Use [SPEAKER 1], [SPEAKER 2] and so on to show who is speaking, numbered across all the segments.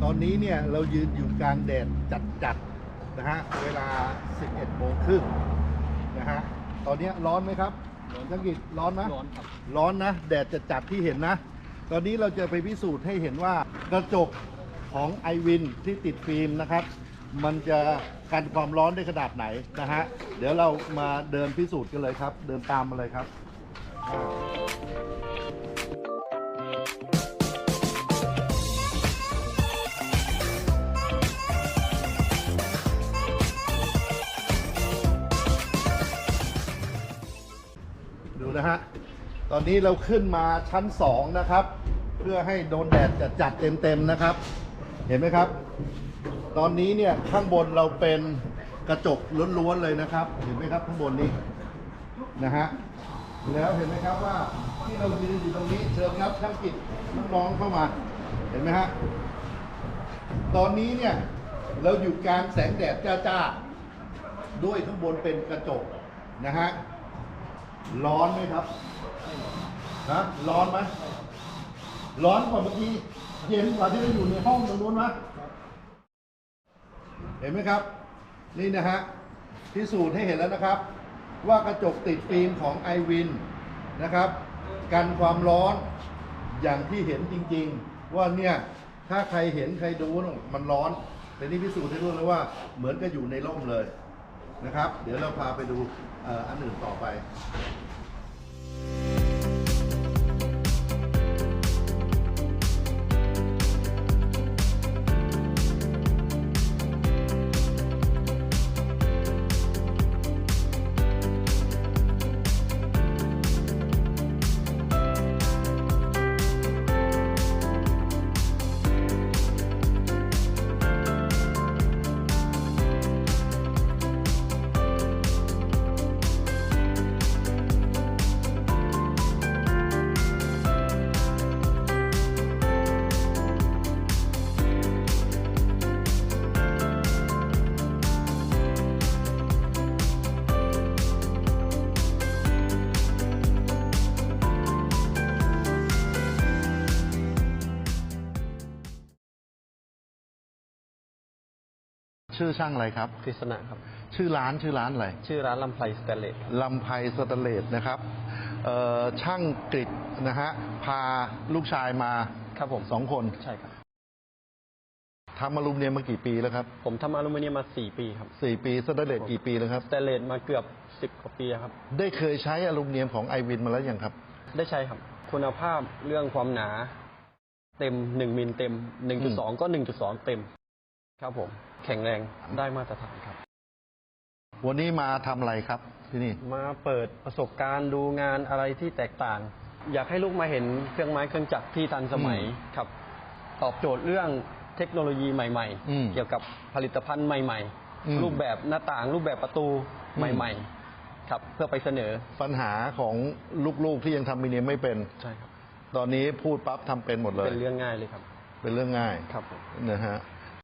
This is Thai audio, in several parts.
[SPEAKER 1] อนนี้เนี่ยเรายืนอยู่กลางแดดจัดๆนะฮะเวลา 11:30 น.นะฮะตอนนี้ร้อนไหมครับช่างกิจร้อนไหมร้อนครับร้อนนะแดดจัดๆที่เห็นนะตอนนี้เราจะไปพิสูจน์ให้เห็นว่ากระจกของไอวินที่ติดฟิล์มนะครับมันจะกันความร้อนได้ขนาดไหนนะฮะเดี๋ยวเรามาเดินพิสูจน์กันเลยครับเดินตามมาเลยครับดูนะฮะตอนนี้เราขึ้นมาชั้น2นะครับเพื่อให้โดนแดดจัดเต็มๆนะครับเห็นไหมครับตอนนี้เนี่ยข้างบนเราเป็นกระจกล้วนๆเลยนะครับเห็นไหมครับข้างบนนี้นะฮะแล้วเห็นไหมครับว่าที่เรายืนอยู่ตรงนี้เชิญครับช่างกิจน้องๆเข้ามาเห็นไหมฮะตอนนี้เนี่ยเราอยู่กลางแสงแดดจ้าๆด้วยข้างบนเป็นกระจกนะฮะร้อนไหมครับนะร้อนไหมร้อนกว่าเมื่อกี้เย็นกว่าที่เราอยู่ในห้องตรงนู้นไหมเห็นไหมครับนี่นะฮะพิสูจน์ให้เห็นแล้วนะครับว่ากระจกติดฟิล์มของไอวินนะครับกันความร้อนอย่างที่เห็นจริงๆว่าเนี่ยถ้าใครเห็นใครดูมันร้อนแต่นี่พิสูจน์ให้รู้เลยว่าเหมือนกับอยู่ในร่มเลยนะครับเดี๋ยวเราพาไปดูอันอื่นต่อไปชื่อช่างอะไรครับ
[SPEAKER 2] กฤษณะครับ
[SPEAKER 1] ชื่อร้านอะไร
[SPEAKER 2] ชื่อร้านลำไพสแตนเลส
[SPEAKER 1] ลำไพสแตนเลสนะครับช่างกฤษนะฮะพาลูกชายมา
[SPEAKER 2] ครับผม
[SPEAKER 1] 2 คน
[SPEAKER 2] ใช่ครับ
[SPEAKER 1] ทำอลูมิเนียมมากี่ปีแล้วครับ
[SPEAKER 2] ผมทำอลูมิเนียมมา4 ปีครับ
[SPEAKER 1] 4 ปีสแตนเลสกี่ปีแล้วครับ
[SPEAKER 2] สแตนเลสมาเกือบ10 กว่าปีครับ
[SPEAKER 1] ได้เคยใช้อลูมิเนียมของไอวินมาแล้วยังครับ
[SPEAKER 2] ได้ใช้ครับคุณภาพเรื่องความหนาเต็ม1 มิลเต็ม 1.2 ก็ 1.2 เต็มครับผมแข็งแรงได้มาตรฐานครับ
[SPEAKER 1] วันนี้มาทำอะไรครับที่นี่
[SPEAKER 2] มาเปิดประสบการณ์ดูงานอะไรที่แตกต่างอยากให้ลูกมาเห็นเครื่องไม้เครื่องจักรที่ทันสมัยครับตอบโจทย์เรื่องเทคโนโลยีใหม่ๆเกี่ยวกับผลิตภัณฑ์ใหม่ๆรูปแบบหน้าต่างรูปแบบประตูใหม่ๆครับเพื่อไปเสนอ
[SPEAKER 1] ปัญหาของลูกๆที่ยังทำอลูมิเนียมไม่เป็น
[SPEAKER 2] ใช่ครับ
[SPEAKER 1] ตอนนี้พูดปั๊บทำเป็นหมดเลย
[SPEAKER 2] เป็นเรื่องง่ายเลยครับ
[SPEAKER 1] เป็นเรื่องง่าย
[SPEAKER 2] ครับ
[SPEAKER 1] นะฮะ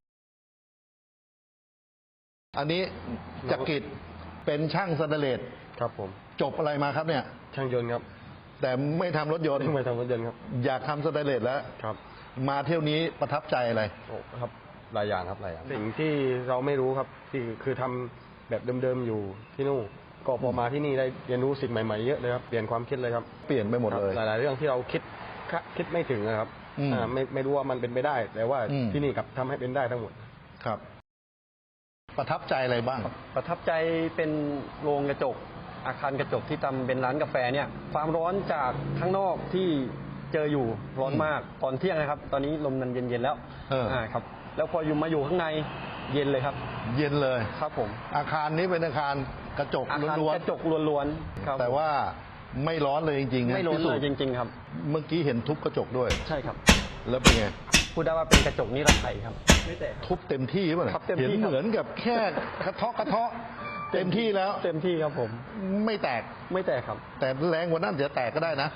[SPEAKER 1] อันนี้จักริดเป็นช่างสแตนเลส
[SPEAKER 2] ครับผม
[SPEAKER 1] จบอะไรมาครับเนี่ย
[SPEAKER 2] ช่างยนต์ครับ
[SPEAKER 1] แต่ไม่ทำรถยนต์
[SPEAKER 2] ไม่ทำรถยนต์ครับ
[SPEAKER 1] อยากทำสแตนเลสแล้ว
[SPEAKER 2] ครับ
[SPEAKER 1] มาเที่ยวนี้ประทับใจอะไร
[SPEAKER 2] โอ้ครับหลายอย่างครับหลายอย่างสิ่งที่เราไม่รู้ครับที่คือทำแบบเดิมๆอยู่ที่นู่นก็พอมาที่นี่ได้เรียนรู้สิ่งใหม่ๆเยอะเลยครับเปลี่ยนความคิดเลยครับ
[SPEAKER 1] เปลี่ยนไปหมดเลย
[SPEAKER 2] หลายๆเรื่องที่เราคิดไม่ถึงนะครับไม่รู้ว่ามันเป็นไปได้แต่ว่าที่นี่กับทำให้เป็นได้ทั้งหมด
[SPEAKER 1] ครับประทับใจอะไรบ้าง
[SPEAKER 2] ประทับใจเป็นโรงกระจกอาคารกระจกที่ทำเป็นร้านกาแฟเนี่ยความร้อนจากข้างนอกที่เจออยู่ร้อนมากตอนเที่ยงนะครับตอนนี้ลมมันเย็นๆแล้วครับแล้วพอมาอยู่ข้างในเย็นเลยครับ
[SPEAKER 1] เย็นเลย
[SPEAKER 2] ครับผม
[SPEAKER 1] อาคารนี้เป็นอาคารกระจกล้วน
[SPEAKER 2] ๆกระจกล้วน
[SPEAKER 1] ๆแต่ว่าไม่ร้อนเลยจริงๆ
[SPEAKER 2] ไม่ร้อนเลยจริงๆครับ
[SPEAKER 1] เมื่อกี้เห็นทุบกระจกด้วย
[SPEAKER 2] ใช่ครับ
[SPEAKER 1] แล้วเป็นไง
[SPEAKER 2] พูดได้ว่าเป็นกระจกนิรภัยครับไม่แตก
[SPEAKER 1] ทุบเต็มที่ป่ะ
[SPEAKER 2] เห็
[SPEAKER 1] นเหมือนกับแค่กระเทาะเต็มที่แล้ว
[SPEAKER 2] เต็มที่ครับผม
[SPEAKER 1] ไม่แตก
[SPEAKER 2] ครับ
[SPEAKER 1] แต่แรงกว่านั้นจะแตกก็ได้นะ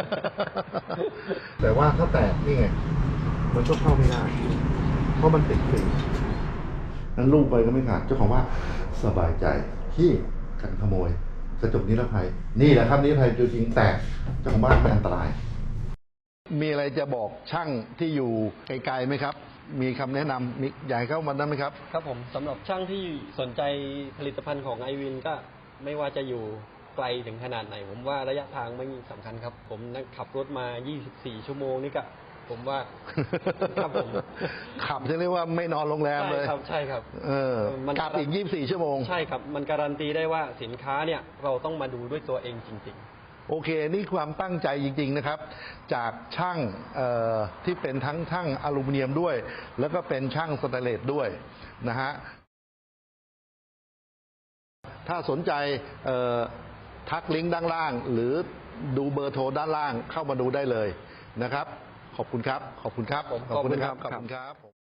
[SPEAKER 1] แต่ว่าถ้าแตกนี่ไงมันก็เข้าไม่ได้เพราะมันติดฟิล์มนั้นลูกไปก็ไม่ขาดเจ้าของว่าสบายใจที่กันขโมยกระจกนิรภัยนี่แหละครับนิรภัยจริงแตกเจ้าของบ้านไม่อันตรายมีอะไรจะบอกช่างที่อยู่ไกลๆไหมครับมีคำแนะนำมีอยากให้เข้ามาได้ไหมครับ
[SPEAKER 2] ครับผมสำหรับช่างที่สนใจผลิตภัณฑ์ของไอวินก็ไม่ว่าจะอยู่ไกลถึงขนาดไหน ผมว่าระยะทางไม่สำคัญครับ ผมนั่งขับรถมา 24 ชั่วโมงนี่ก็ผมว่า ครับผม
[SPEAKER 1] ขับจะเรียกว่าไม่นอนโรงแรมเลย
[SPEAKER 2] ใช่ครับใช่ครับ
[SPEAKER 1] กลับอีก 24 ชั่วโมง
[SPEAKER 2] ใช่ครับ มันการันตีได้ว่าสินค้าเนี่ยเราต้องมาดูด้วยตัวเองจริง
[SPEAKER 1] โอเค นี่ความตั้งใจจริง ๆ นะครับ จากช่างที่เป็นทั้งช่างอลูมิเนียมด้วย แล้วก็เป็นช่างสแตนเลสด้วยนะฮะ ถ้าสนใจทักลิงก์ด้านล่าง หรือดูเบอร์โทรด้านล่างเข้ามาดูได้เลยนะครับ ขอบคุณครับ ขอบคุณครับ
[SPEAKER 2] ขอบคุณครับ
[SPEAKER 1] ขอบคุณครับ